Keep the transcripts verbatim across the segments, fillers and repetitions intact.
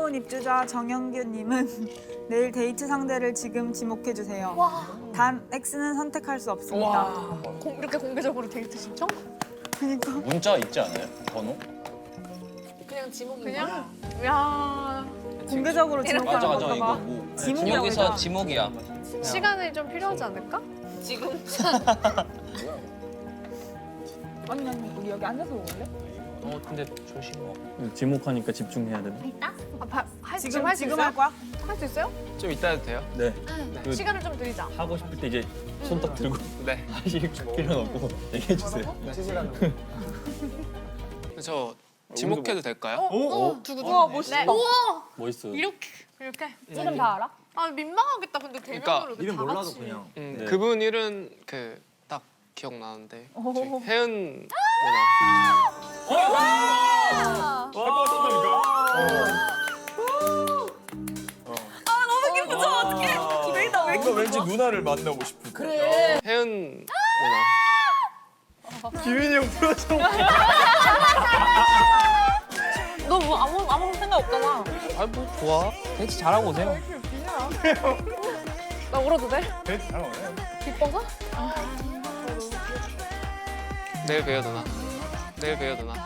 새로운 입주자 정영규님은 내일 데이트 상대를 지금 지목해주세요. 단 X는 선택할 수 없습니다. 공, 이렇게 공개적으로 데이트 신청? 그러니까 문자 있지 않아요? 번호? 그냥 지목 그냥? 야 공개적으로 지목하는 맞아 맞아 건가 이거 봐. 뭐 지목이라고 여기서 했잖아. 지목이야. 시간이 좀 필요하지 않을까? 지금 아니 아니 우리 여기 앉아서 먹을래? 어 근데 조심. 지목하니까 집중해야 되네. 아, 바, 할, 지금 지금 할 수 지금 있어요? 할 거야? 할 수 있어요? 좀 이따 해도 돼요? 네. 그 시간을 좀 드리자. 하고 싶을 때 이제 손 딱 들고 네. 하실 필요는 없고 얘기해 주세요. 저 지목해도 될까요? 어, 두구 우와 네. 멋있다. 우와 멋있어요. 이렇게 이렇게. 이름 다 알아? 아 민망하겠다. 근데 대면으로 그러니까 다 같이. 음, 네. 그분 일은 그 딱 기억나는데 오. 저희 혜은 누나. 기대다 왜 뭔가 왠지 누나를 만나고 싶은. 그래. 혜은 누나. 기민이 형 풀어줘. 너뭐 아무 아무 생각 없잖아. 아뭐 좋아. 데이트 잘하고 오세요. 나 울어도 돼? 네, 잘 나오네. 기뻐서? 내일 봬요 누나. 내일 봬요 누나.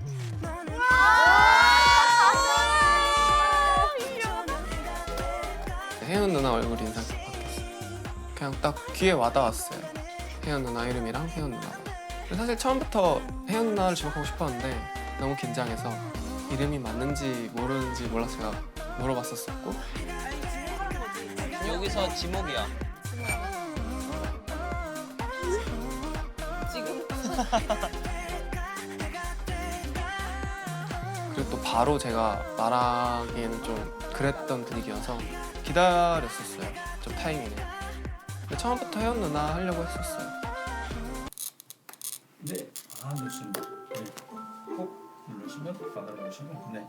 혜은 누나 얼굴 인상이 바뀌었어. 그냥 딱 귀에 와닿았어요. 혜은 누나 이름이랑 혜은 누나가. 근데 사실 처음부터 혜은 누나를 지목하고 싶었는데 너무 긴장해서 이름이 맞는지 모르는지 몰라서 제가 물어봤었었고. 여기서 지목이야. 지금 그리고 또 바로 제가 말하기에는 좀 그랬던 분위기여서 기다렸었어요. 좀 타이밍을. 근데 처음부터 혜연 누나 하려고 했었어요. 네, 아 좋습니다. 네, 꼭 누르시면 받아 누르시면 네.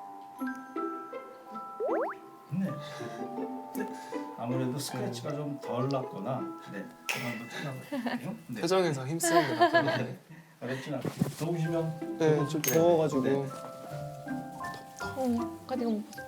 네. 네. 아무래도 스크래치가 좀 덜 났거나 네, 그만도 끝나고요. 네. 표정에서 힘쓰는 게 나타나네. 네. 어렵진 않고 더우시면 네, 좀 더워가지고. 네. 어, 가디건 못 봤어.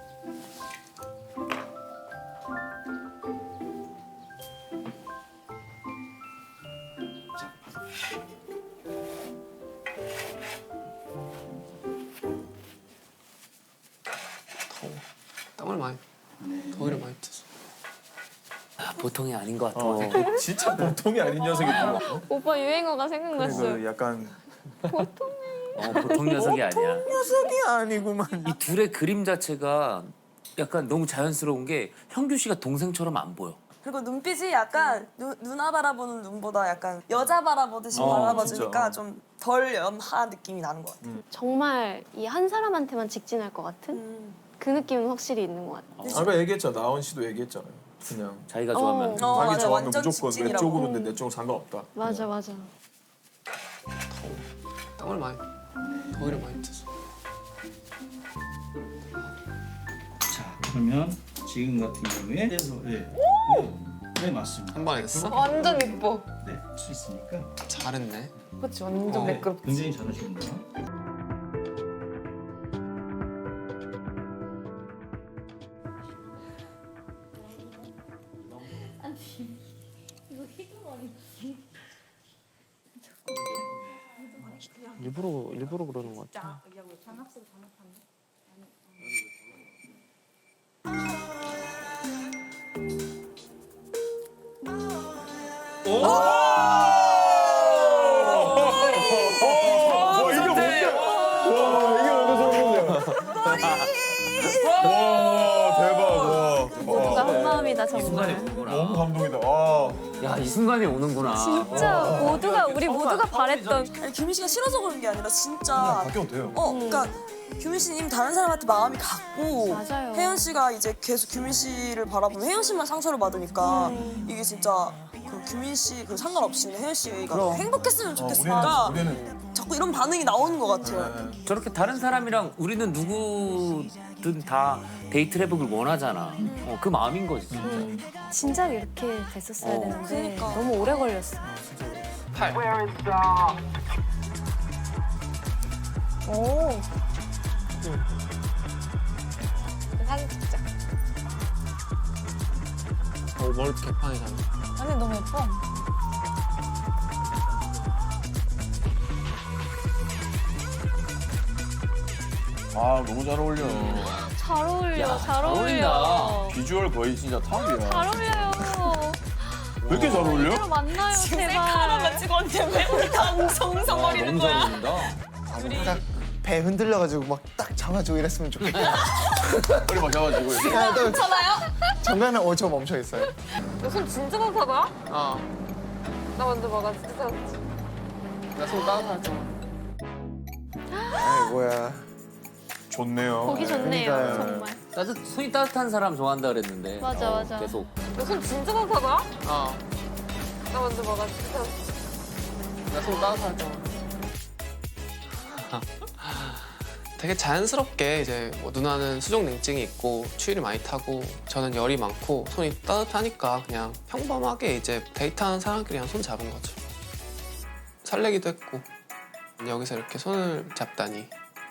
더워. 땀을 많이, 더위를 많이 탔어. 보통이 아닌 것 같아. 어, 진짜 보통이 아닌 녀석이구나. 오빠 유행어가 생각났어요. 그 약간 어, 보통 녀석이 아니야. 녀석이 아니구만. 이 둘의 그림 자체가 약간 너무 자연스러운 게 형규 씨가 동생처럼 안 보여. 그리고 눈빛이 약간 누, 누나 바라보는 눈보다 약간 여자 바라보듯이 어, 바라봐주니까 진짜. 좀 덜 연한 느낌이 나는 것 같아. 정말 이 한 사람한테만 직진할 것 같은 음. 그 느낌은 확실히 있는 것 같아. 아까 얘기했잖아. 나원 씨도 얘기했잖아요. 그냥 자기가 좋아하면. 어, 자기 맞아. 좋아하면 완전 무조건 내 직진이라고. 쪽으로인데 내 쪽은 상관없다. 맞아 맞아. 더워. 땀을 많이, 더위를 많이 탔어. 자, 그러면 지금 같은 경우에 그래서 네, 네, 네 맞습니다. 한 번에 됐어? 완전 예뻐. 네, 할 수 있으니까 잘했네. 그치 완전 어. 매끄럽지. 굉장히 잘하십니다. 일부러 일부러 그러는 것 같아. 와 이게 뭔데? 와 이게 뭔데 소름이야. 와 대박. 와. 모두가 한 마음이다 이 순간에 정말. 오는구나. 너무 감동이다. 와. 야, 이 순간에 오는구나. 진짜 모두가 우리 모두가 바랬던. 아니 규민 씨가 싫어서 그런 게 아니라 그냥 진짜 바뀌어도 돼요. 어 그러니까 규민 씨는 이미 다른 사람한테 마음이 갔고 맞아요. 혜연 씨가 이제 계속 규민 씨를 바라보면 혜연 씨만 상처를 받으니까 음. 이게 진짜 그 규민 씨 그 상관없이 혜연 씨가 행복했으면 어, 좋겠으니까 우리는 우리는 자꾸 이런 반응이 나오는 것 같아요. 저렇게 다른 사람이랑 우리는 누구든 다 데이트를 해보길 원하잖아. 어, 그 마음인 거지, 진짜. 진작 이렇게 됐었어야 어. 되는데 그러니까. 너무 오래 걸렸어. 팔. 오. 오버올 개판이잖아. 아니 너무 예뻐. 아 너무 잘 어울려. 잘 어울려. 야, 잘 잘 어울려. 어울린다. 비주얼 거의 진짜 탑이야. 잘 어울려요. 왜 이렇게 잘 어울려? 이대로 만나요, 제발. 찍었는데 왜 우리 다 웅성웅성거리는 너무 잘 거야? 어울린다. 딱 배 흔들려가지고 막 딱 잡아주고 이랬으면 좋겠다. 허리 막 잡아주고 이렇게. 괜찮아요? 정면에 어저 멈춰 있어요. 너손 진짜 따뜻하다. 어. 나 먼저 먹어. 진짜 따뜻해. 나손 따뜻하죠. 아이 뭐야. 좋네요. 보기 좋네요, 그러니까요. 정말. 따뜻 손이 따뜻한 사람 좋아한다 그랬는데. 맞아, 어, 맞아. 계속. 너손 진짜 따뜻하다. 어. 나 먼저 먹어. 진짜 따뜻해. 나손 따뜻하죠. 되게 자연스럽게 이제 뭐 누나는 수족 냉증이 있고 추위를 많이 타고 저는 열이 많고 손이 따뜻하니까 그냥 평범하게 이제 데이트하는 사람끼리 손 잡은 거죠. 설레기도 했고 여기서 이렇게 손을 잡다니.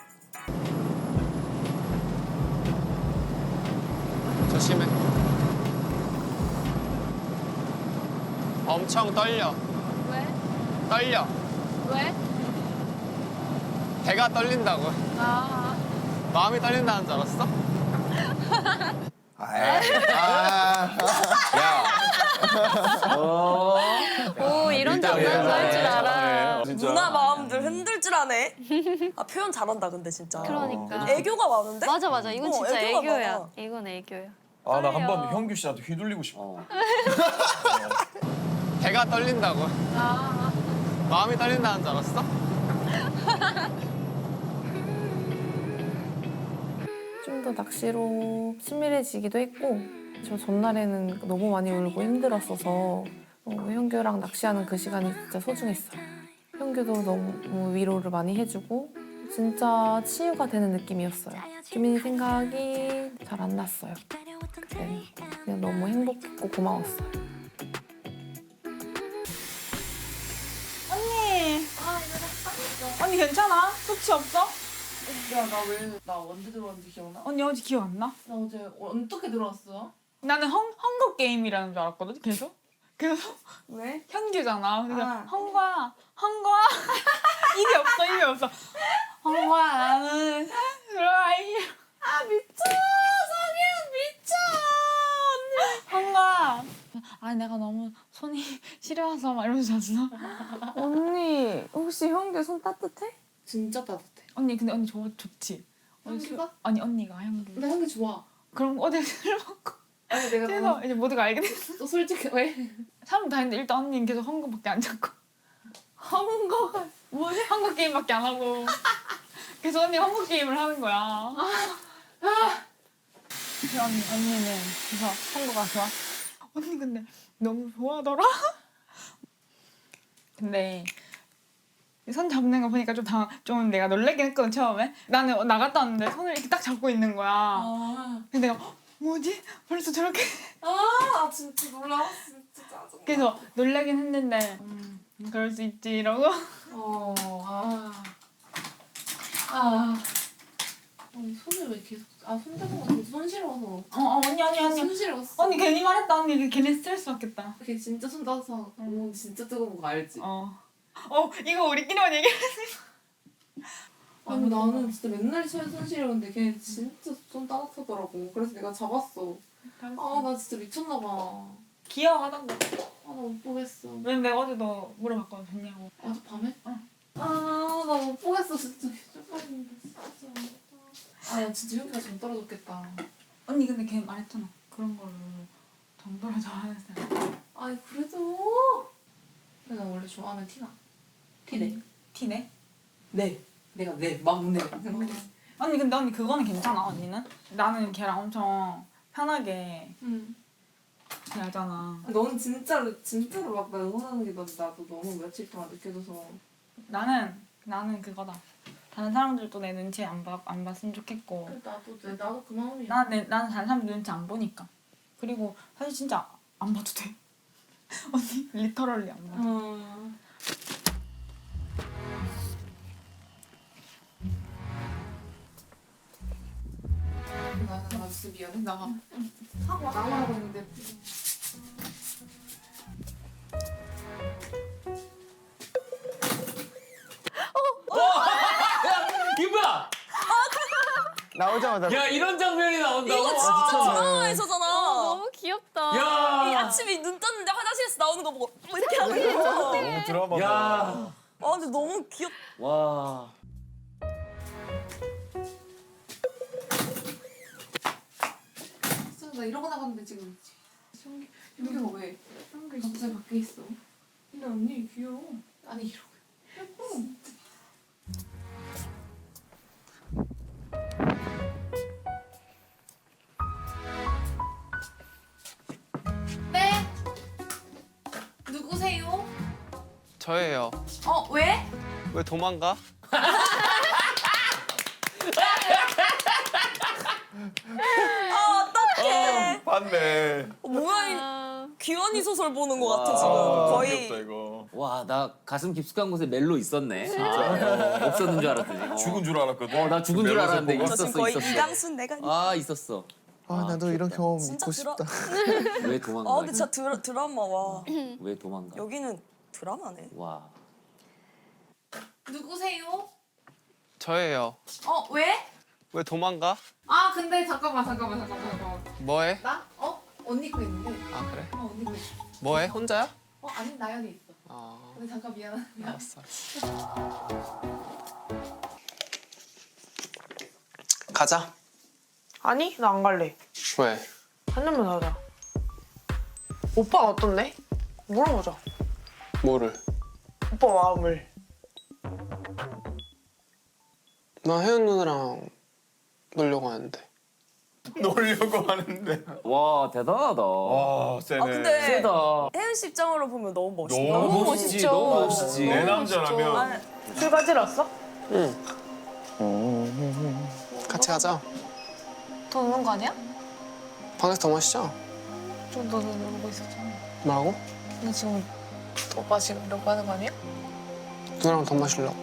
조심해. 엄청 떨려. 왜? 떨려. 왜? 배가 떨린다고. 아. 마음이 떨린다는 줄 알았어? 아, 아, 야. 어. 오, 이런 장난도 할 줄 알아. 진짜. 누나 마음들 흔들 줄 아네. 아 표현 잘한다 근데 진짜. 그러니까. 애교가 많은데? 맞아, 맞아. 이건 어, 진짜 애교가 애교야. 많아. 이건 애교야. 아 나 한 번 떨려. 형규 씨한테 휘둘리고 싶어. 어. 배가 떨린다고. 아. 마음이 떨린다는 줄 알았어? 좀 더 낚시로 친밀해지기도 했고 저 전날에는 너무 많이 울고 힘들었어서 어, 형규랑 낚시하는 그 시간이 진짜 소중했어요. 형규도 너무 위로를 많이 해주고 진짜 치유가 되는 느낌이었어요. 규민이 생각이 잘 안 났어요. 그때는 그냥 너무 행복했고 고마웠어요. 언니. 언니 괜찮아? 소치 없어? 야, 나 왜, 나 언제 들어왔는지 기억나? 언니 어제 기억 안 나? 나 어제 어떻게 들어왔어? 나는 헝, 헝거 게임이라는 줄 알았거든 계속. 계속 왜? 현규잖아. 그래서 아. 헝거야, 헝거야. 입이 없어, 입이 없어. 헝거야, 나는 들어와 이. 아 미쳐, 성현 미쳐. 언니. 헝거야. 아니 내가 너무 손이 시려워서 막 이러면서 잤어. 언니, 혹시 형규 손 따뜻해? 진짜 따뜻해. 언니 근데 언니 좋 좋지. 언니 현규가? 술- 아니 언니가 현규. 나 형규 좋아. 그럼 어제 술 먹고 아니 내가 그래서 이제 모두가 알게 됐어. 또 솔직히 왜? 사람 다 했는데 일단 언니는 계속 헝거밖에 안 잡고. 헝거가 뭐지? 헝거 게임밖에 안 하고. 그래서 언니 헝거 게임을 하는 거야. 아, 언니 언니는 그래서 헝거가 좋아. 언니 근데 너무 좋아하더라. 근데 손 잡는 거 보니까 좀 다 좀 내가 놀래긴 했거든 처음에. 나는 나갔다 왔는데 손을 이렇게 딱 잡고 있는 거야. 아, 근데 내가 헉, 뭐지? 벌써 저렇게. 아 진짜 놀라웠어. 진짜 짜증나. 그래서 놀라긴 했는데 음, 그럴 수 있지 이러고. 어, 아, 아, 아니 손을 왜 계속 아 손잡은 거 진짜 손시려워서 어, 어 언니 언니 언니. 손시려웠어. 언니 괜히 말했다. 언니 괜히 스트레스 받겠다. 그게 진짜 손 따뜻한 거 진짜 뜨거운 거 알지? 어. 어 이거 우리끼리만 얘기해. 아니 나는 진짜 맨날 손 손시려운데 걔 진짜 손 따뜻하더라고. 그래서 내가 잡았어. 아 나 진짜 미쳤나 봐. 아 귀여워하던데. 나 못 보겠어. 왜냐면 내가 어제도 물어봤거든 좋냐고. 어제 밤에? 응. 아 나 못 보겠어 진짜. 쪽팔린다 진짜. 아야 진짜 형기가 정 떨어졌겠다. 언니 근데 걔 말했잖아. 그런 거를 정도로 좋아하는 사람. 아니 그래도 근데 나 원래 좋아하면 티나. 티내. 티네? 네. 내가 내 막내. 언니 근데 언니 그거는 괜찮아 언니는? 나는 걔랑 엄청 편하게 응. 대하잖아. 너는 진짜로 진짜로 막 나 응원하는 게 너- 나도 너무 며칠 동안 느껴져서. 나는 나는 그거다. 다른 사람들도 내 눈치 안, 봐, 안 봤으면 좋겠고. 나도 내 나도 그 마음이야. 나, 내, 나는 다른 사람 눈치 안 보니까. 그리고 사실 진짜 안 봐도 돼. 언니 리터럴리 안 봐. 음. 나, 나 진짜 미안해. 나 하고 나가려고 했는데 나오자마자 야 이런 장면이 나온다고? 이거 진짜 와. 드라마에서잖아. 어, 너무 귀엽다. 야. 이 아침에 눈 떴는데 화장실에서 나오는 거 보고 뭐 이렇게 하고 있어. 너무 드라마다. 야. 아 근데 너무 귀엽. 와. 나 이러고 나갔는데 지금 형기 형기가 왜 형기 갑자기 밖에 있어? 근데 언니 귀여워. 아니 이러고 예뻐. 네. 누구세요? 저예요. 어 왜? 왜 도망가? 아 어떡해. 맞네. 어, 뭐야 이 아, 귀환이 소설 보는 것 같아 와, 지금. 아, 거의. 귀엽다 이거. 와, 나 가슴 깊숙한 곳에 멜로 있었네. 아, 없었는 줄 알았더니. 어. 죽은 줄 알았거든. 어, 나 죽은 줄 멜로디 알았는데 보고. 저 지금 있었어, 거의 있었어. 이강순 내가. 아, 있었어. 아 나도 이런 경험 진짜 있고 드라- 싶다. 왜 도망가? 아 근데 진짜 드라, 드라마 와. 왜 도망가? 여기는 드라마네. 와. 누구세요? 저예요. 어 왜? 왜 도망가? 아 근데 잠깐만 잠깐만 잠깐만 잠깐만. 뭐해? 나? 어? 언니 거 있는데. 아 그래? 어 언니 거 있어. 뭐해? 혼자야? 어 아니 나연이 있어. 아 근데 잠깐 미안하. 미안. 알았어. 가자. 아니 나 안 갈래. 왜? 한 잔만 하자. 오빠가 어떤데? 물어보자. 뭐를? 오빠 마음을. 나 혜연 누나랑 놀려고 하는데. 놀려고 하는데. 와, 대단하다. 와 세네. 아 근데 세다. 혜연 씨 입장으로 보면 너무 멋있다. 너무 멋있지, 멋있죠. 너무 멋있지. 내 아, 남자라면. 술 가지러 왔어? 응. 같이 가자. 더 노는 거 아니야? 방에서 더 마시자. 좀 너도 놀고 있었잖아. 뭐라고? 근데 지금 오빠 지금 이러고 하는 거 아니야? 누나랑 더 마실라고.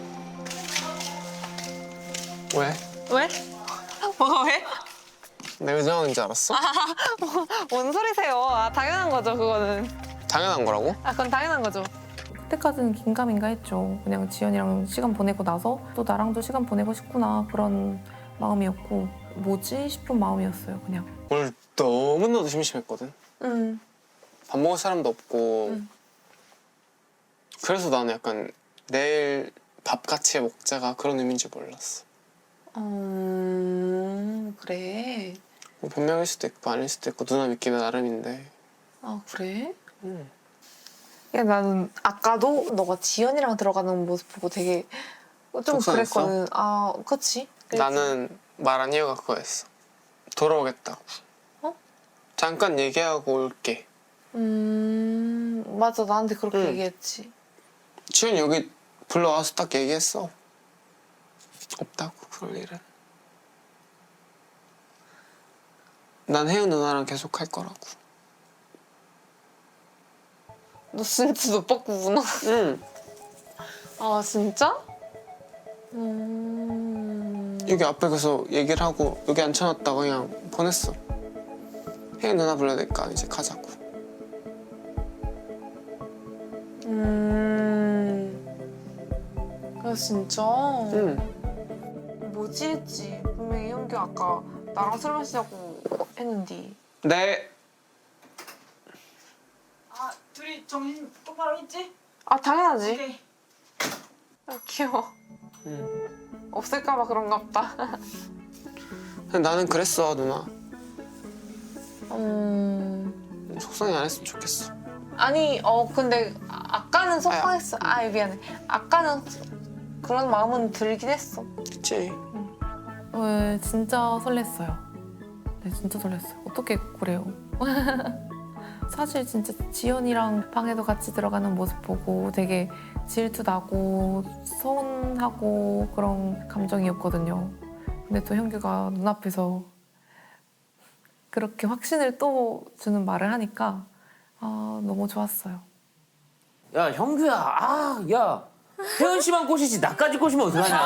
왜? 왜? 뭐가 왜? 내 의정인 줄 알았어? 뭔 소리세요? 아 당연한 거죠 그거는. 당연한 거라고? 아 그건 당연한 거죠. 그때까지는 긴가민가 했죠. 그냥 지연이랑 시간 보내고 나서 또 나랑도 시간 보내고 싶구나 그런 마음이었고 뭐지 싶은 마음이었어요. 그냥. 오늘 너무나도 심심했거든. 응. 밥 먹을 사람도 없고. 응. 그래서 나는 약간 내일 밥 같이 먹자가 그런 의미인지 몰랐어. 음 그래. 뭐 변명일 수도 있고 아닐 수도 있고 누나 믿기는 나름인데. 아 그래? 응. 야 나는 아까도 너가 지연이랑 들어가는 모습 보고 되게 좀 속상했어? 그랬거든. 아 그치? 그랬지. 나는 말한 이유가 그거였어. 돌아오겠다고. 어? 잠깐 얘기하고 올게. 음 맞아 나한테 그렇게 응. 얘기했지. 지훈이 여기 불러와서 딱 얘기했어. 없다고 그럴 일은. 난 혜연 누나랑 계속 할 거라고. 너 진짜 너 바꾸구나. 응. 아 진짜? 음... 여기 앞에 가서 얘기를 하고 여기 앉혀놨다가 그냥 보냈어. 혜연 누나 불러야 되니까 이제 가자고. 음... 그래 진짜? 응. 뭐지 했지. 분명히 형규 아까 나랑 술 마시자고 했는데. 네. 아 둘이 정신 똑바로 있지? 아 당연하지. 오케이. 아, 귀여워. 응. 없을까봐 그런가 보다. 근데 나는 그랬어 누나. 음... 속상해 안 했으면 좋겠어. 아니 어 근데 아- 아까는 속상했어. 아 미안해. 아까는 그런 마음은 들긴 했어. 그치? 어, 진짜 설렜어요. 네, 진짜 설렜어요. 어떻게 그래요? 사실 진짜 지연이랑 방에도 같이 들어가는 모습 보고 되게 질투 나고 서운하고 그런 감정이었거든요. 근데 또 현규가 눈앞에서 그렇게 확신을 또 주는 말을 하니까 아, 너무 좋았어요. 야, 형규야. 아, 야. 혜연 씨만 꼬시지 나까지 꼬시면 어떡하냐.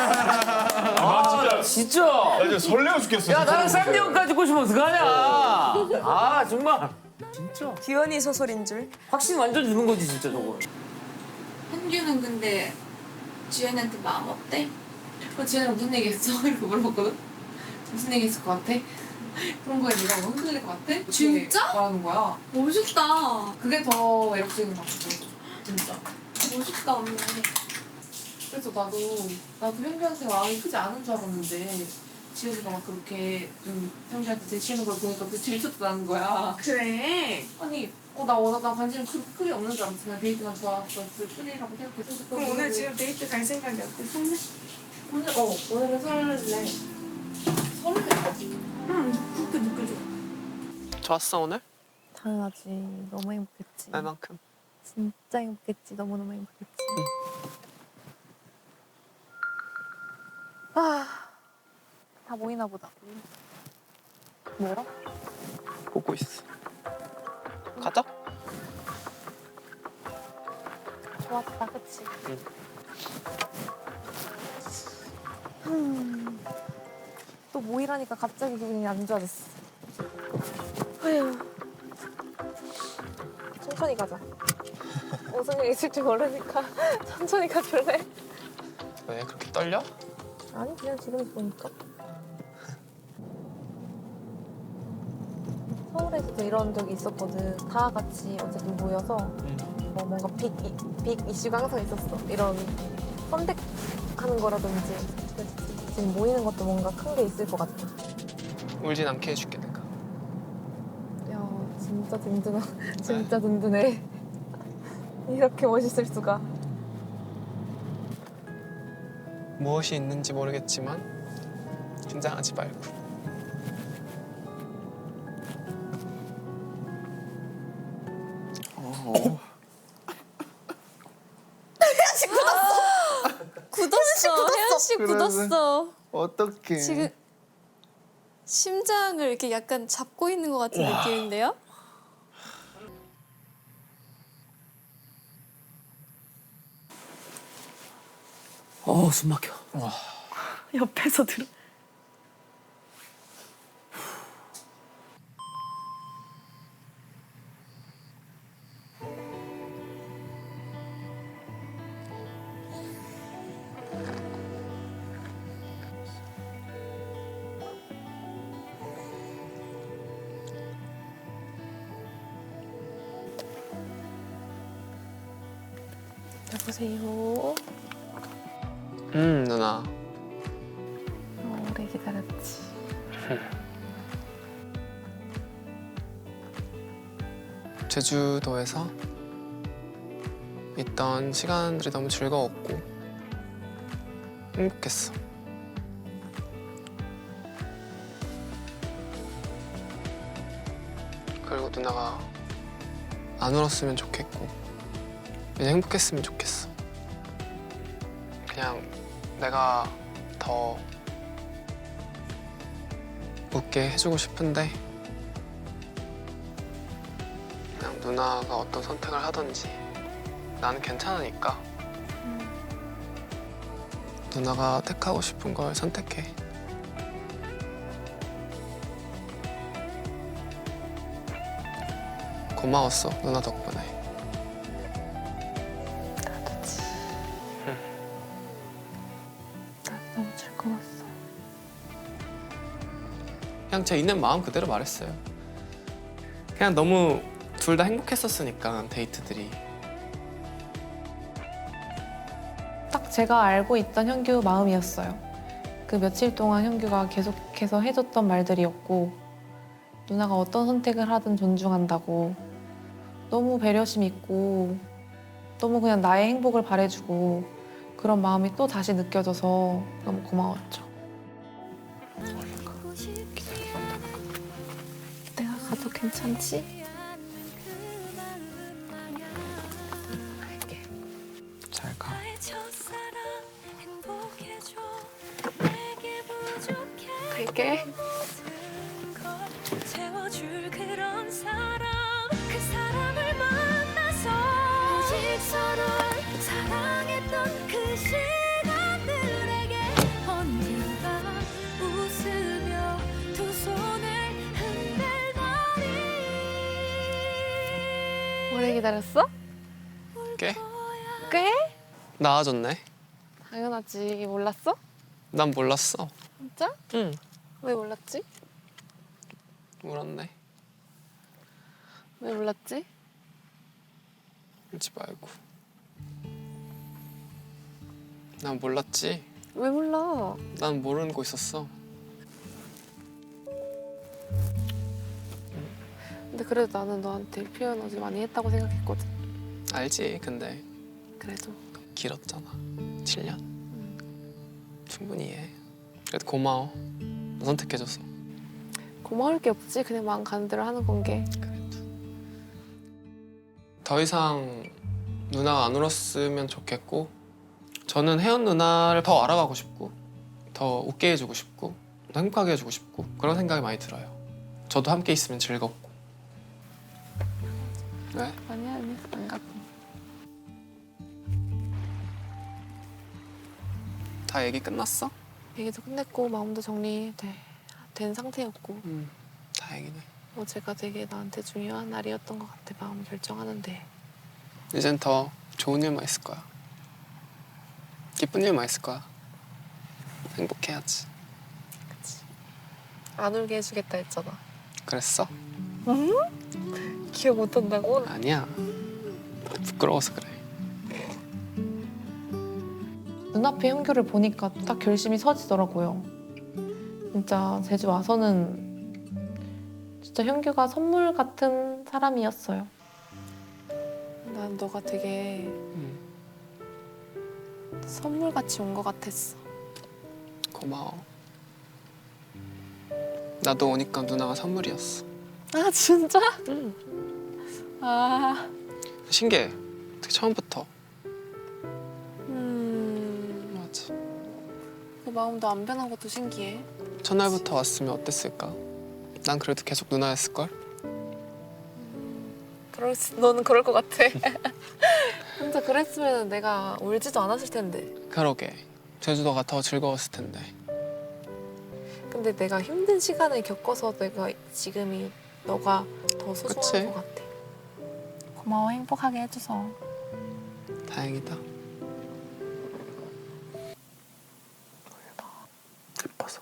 아, 진짜. 나 진짜 설레어 죽겠어. 야, 나랑 진짜. 쌍디형까지 꼬시면 어떡하냐. 아, 정말. 진짜. 귀환이 소설인 줄. 확신 완전 주는 거지, 진짜 저거. 현규는 근데 지연이한테 마음 없대? 그 지연이랑 무슨 얘기했어? 이렇게 물어봤거든? 무슨 얘기 있을 것 같아? 그런 거에 네가 뭐 흔들릴 것 같아? 진짜? 말하는 거야. 멋있다. 그게 더 매력적인 것 같아. 진짜. 멋있다 언니. 그래서 나도 나도 현규한테 마음이 크지 않은 줄 알았는데 지현이가 막 그렇게 좀 현규한테 제치는 걸 보니까 그 질투도 나는 거야. 그래. 아니 어, 나 워낙 나 관심 그렇게 크게 없는 줄 알았지. 그냥 데이트만 좋아했을 뿐이라고 생각했어. 그럼 오늘 지금 데이트 갈 생각이 어때? 설레? 오늘 어 오늘은 설레. 설레지. 응. 그렇게 느껴져. 좋았어 오늘? 당연하지. 너무 행복했지. 날만큼. 진짜 행복했지. 너무너무 행복했지. 아, 다 모이나 보다. 뭐라? 보고 있어. 가자. 좋았다, 그치? 응. 음, 또 모이라니까 갑자기 기분이 안 좋아졌어. 아휴. 천천히 가자. 무슨 일 있을지 모르니까 천천히 가줄래? 왜 그렇게 떨려? 아니, 그냥 지금 보니까. 서울에서도 이런 적이 있었거든. 다 같이 어쨌든 모여서 뭐 뭔가 빅, 이, 빅 이슈가 항상 있었어. 이런 선택하는 거라든지. 그래서 지금 모이는 것도 뭔가 큰 게 있을 것 같아. 울진 않게 해줄게 내가. 야, 진짜 든든하, 진짜 든든해. 이렇게 멋있을 수가. 무엇이 있는지 모르겠지만 긴장하지 말고. 어. 굳었어. 혜연 씨 굳었어. 어떡해. 지금 심장을 이렇게 약간 잡고 있는 것 같은 와. 느낌인데요? 어, 숨 막혀. 옆에서 들어. 여보세요. 음 누나. 오래 기다렸지. 제주도에서 있던 시간들이 너무 즐거웠고 행복했어. 그리고 누나가 안 울었으면 좋겠고 그냥 행복했으면 좋겠어. 그냥 내가 더 웃게 해주고 싶은데 그냥 누나가 어떤 선택을 하든지 나는 괜찮으니까 누나가 택하고 싶은 걸 선택해. 고마웠어 누나 덕분에. 나도지. 나도 너무 즐거웠어. 그냥 제 있는 마음 그대로 말했어요. 그냥 너무 둘 다 행복했었으니까 데이트들이. 딱 제가 알고 있던 현규 마음이었어요. 그 며칠 동안 현규가 계속해서 해줬던 말들이었고 누나가 어떤 선택을 하든 존중한다고 너무 배려심 있고 너무 그냥 나의 행복을 바래주고 그런 마음이 또 다시 느껴져서 너무 고마웠죠. 내가 가도 괜찮지? 잘 가. 갈게. 채워줄 그런 사람 그 사람을 만나서 오직 서로를 사랑했던 그 시간들에게 언젠가 웃으며 두 손을 흔들더니 오래 기다렸어? 꽤? 꽤? 나아졌네. 당연하지. 몰랐어? 난 몰랐어. 진짜? 응. 왜 몰랐지? 울었네. 왜 몰랐지? 울지 말고. 난 몰랐지. 왜 몰라? 난 모르는 거 있었어. 근데 그래도 나는 너한테 표현 어제 많이 했다고 생각했거든. 알지. 근데 그래도 길었잖아. 칠 년. 충분히 이해해. 그래도 고마워. 너 선택해줘서. 고마울 게 없지. 그냥 마음 가는 대로 하는 건게. 더 이상 누나가 안 울었으면 좋겠고, 저는 혜연 누나를 더 알아가고 싶고, 더 웃게 해주고 싶고, 더 행복하게 해주고 싶고, 그런 생각이 많이 들어요. 저도 함께 있으면 즐겁고. 왜? 아니야, 아니야. 안 갔고. 다 얘기 끝났어? 얘기도 끝냈고 마음도 정리된 상태였고. 음, 다행이네. 어제가 되게 나한테 중요한 날이었던 것 같아. 마음 결정하는데. 이젠 더 좋은 일만 있을 거야. 기쁜 일만 있을 거야. 행복해야지. 안 울게 해주겠다 했잖아. 그랬어? 응? 기억 못한다고? 아니야. 부끄러워서 그래. 눈앞에 현규를 보니까 딱 결심이 서지더라고요. 진짜 제주 와서는 진짜 현규가 선물 같은 사람이었어요. 난 너가 되게 선물같이 온 것 같았어. 고마워. 나도 오니까 누나가 선물이었어. 아 진짜? 응. 아. 신기해. 되게 처음부터. 음. 맞아. 그 마음도 안 변한 것도 신기해. 첫날부터 왔으면 어땠을까? 난 그래도 계속 누나였을걸? 그럴 수, 너는 그럴 것 같아. 진짜 그랬으면 내가 울지도 않았을 텐데. 그러게. 제주도가 더 즐거웠을 텐데. 근데 내가 힘든 시간을 겪어서 내가 지금이 너가 더 소중한 그치? 것 같아. 고마워 행복하게 해줘서. 다행이다. 예뻐서.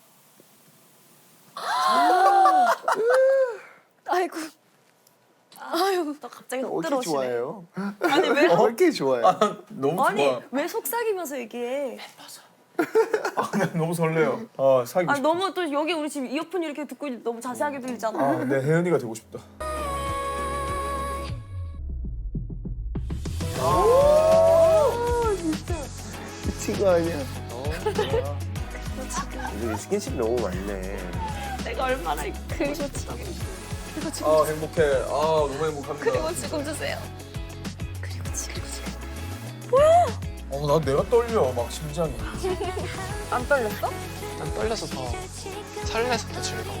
아이고. 아유, 나 갑자기 훅 어떻게 들어오시네. 좋아해요? 아니 왜? 어, 어떻게 좋아해? 너무 아니 좋아. 왜 속삭이면서 얘기해? 아, 나 너무 설레요. 아, 사귀고 아 싶다. 너무 또 여기 우리 지금 이어폰 이렇게 듣고 있는데 너무 자세하게 들리잖아. 아, 내 혜연이가 되고 싶다. 미친 거 아니야? 이제 스킨십 너무 많네. 내가 얼마나 그리고 지금 그리고 지금 아, 행복해. 아, 너무 행복합니다. 그리고 지금 주세요. 그리고 지금 어, 나 내가 떨려. 막 심장이. 안 떨렸어? 난 떨려서 더 설레서 더 즐거워.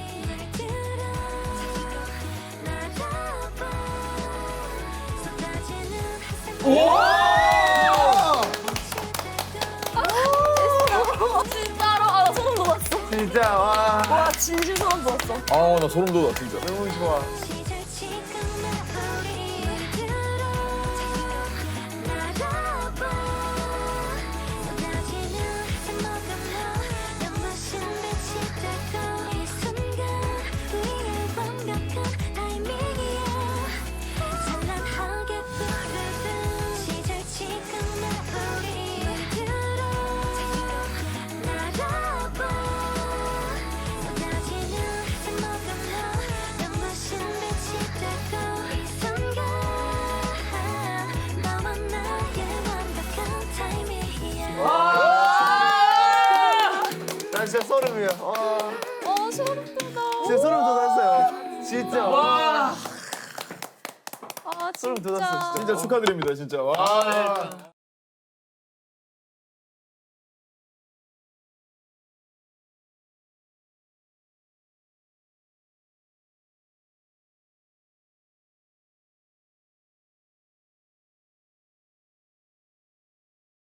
진짜로 아, 나 소름 돋았어. 진짜 와. 와 진심 소름 돋았어. 아, 나 소름 돋아, 진짜. 너무 좋아. 난 진짜 소름이야. 와. 어 소름 돋아. 진짜 소름 돋았어요. 진짜. 와. 아 소름 진짜. 돋았어. 진짜. 진짜 축하드립니다, 진짜. 와.